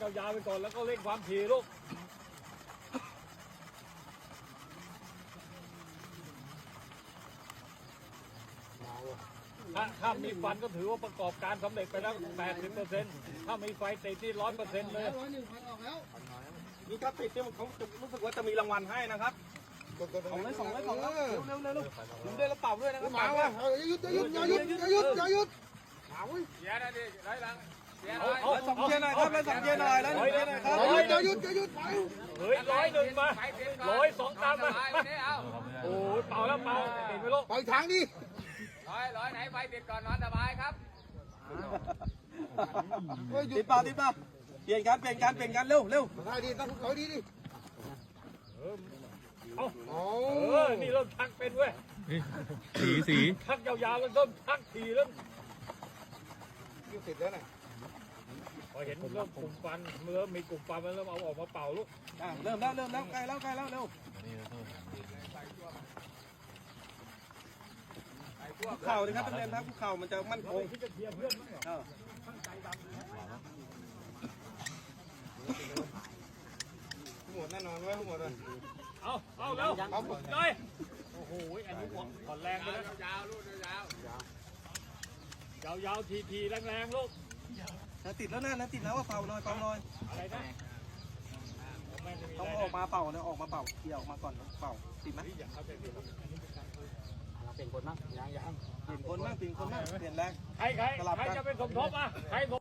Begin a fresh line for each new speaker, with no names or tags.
ยาวๆไปก่อนแล้วก็เร่งความถี่ลูกถ้ามีฟันก็ถือว่าประกอบการสำเร็จไปแล้ว 80%ถ้ามีไฟติดที่ 100% เลย
101,000ออกแล้ว
นี่ถ้าติดเนี่ยเขารู้สึกว่าจะมีรางวัลให้นะครับ200เร็วดูด้วยแล้วเป่าด้วยนะครับ
มาว่ะอย่าหยุดอย่าหยุดอย่าหยุดอย่าหยุดมาเว้ย
เสียนะดิร้อยหลังเสีย
แล้ว2เกียร์หน่อยครับแล้ว2เกียร์หน่อยแล้ว1เกียร์หน่อยครับ
อย่าหยุดอย่าหยุดไป
เฮ้ย101มา102ตามมาโอ้ยเป่าแล้วเป่าติดไปลูก
ปล่อยทางดิ
ร้อยไหนไฟติดก่อนนอนสบายครับ
ติดเปล่าเปลี่ยนกันเร็ว
ได้ดิต้องถอยดีดิ
นี่เริ่มชักเป็นเว้ยสีชักยาวๆแล้วเริ่มชักทีแล้ว
เสร็จแล้วน่ะ
พอเห็นเริ่มกลุ่มฟันเริ่มมีกลุ่มฟันมันเริ่มเอาออกมาเป่าลูก
เริ่มแล้วใกล้แล้วเร็วคุกเข่าเลยครับนักเรียนครับคุกเข่ามันจะมั่นคง
ที่จะเทียบเพื่อนมั้งเหรอ
หมดแน่นอนไว้หมดเลย
เอาแล้วเลยโอ้โหอันนี้ผ่อนแรงไปแล้ว
ยาวลูกยาว
ยาวทีแรงๆลูก
ติดแล้วนะติดแล้วว่าเป่าหน่อย
อะไรนะ
ต้องออกมาเป่านะออกมาเป่าเกี่ยวออกมาก่อนเป่าติดไหม
เราเป็นคนมั้งยัง
เปลี่ยนคนบ้างเปลี่ยนแรง
ใครจะเป็นสมทบอ่ะใคร